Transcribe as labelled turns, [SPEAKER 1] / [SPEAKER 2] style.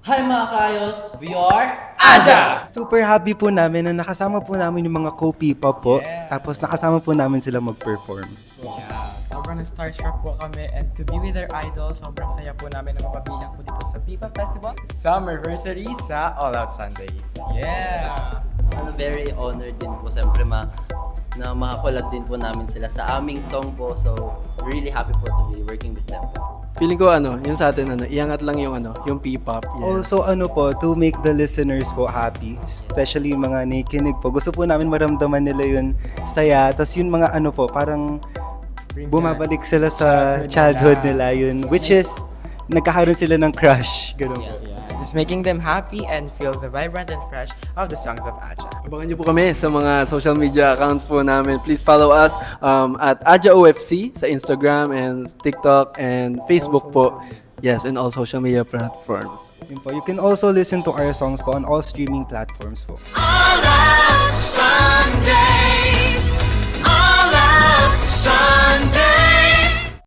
[SPEAKER 1] Hi mga kayos! We are Aja!
[SPEAKER 2] Super happy po namin na nakasama po namin yung mga co-P-pop po.
[SPEAKER 3] Yeah.
[SPEAKER 2] Tapos nakasama po namin sila mag-perform.
[SPEAKER 3] Yeah, sobrang starstruck po kami and to be with our idol, sobrang saya po namin na mapabilang po dito sa Pipa Festival Summerversary sa All Out Sundays. Yeah!
[SPEAKER 1] Very honored din po siyempre na makakulab din po namin sila sa aming song po. So, really happy po to be working with them.
[SPEAKER 4] Feeling ko yung sa atin iangat lang yung P-pop. Yes.
[SPEAKER 2] Also po, to make the listeners po happy, especially yung mga nakikinig po. Gusto po namin maramdaman nila yun saya. Tapos yung mga po, parang bumabalik sila sa childhood nila yun. Which is, nagkakaroon sila ng crush. Ganun po.
[SPEAKER 3] Yeah, just making them happy and feel the vibrant and fresh of the songs of Aja.
[SPEAKER 4] Abangan niyo po kami sa mga social media accounts po namin. Please follow us at Aja OFC sa Instagram and TikTok and Facebook po. Yes, and all social media platforms.
[SPEAKER 2] Yun po. You can also listen to our songs po on all streaming platforms po.
[SPEAKER 5] All out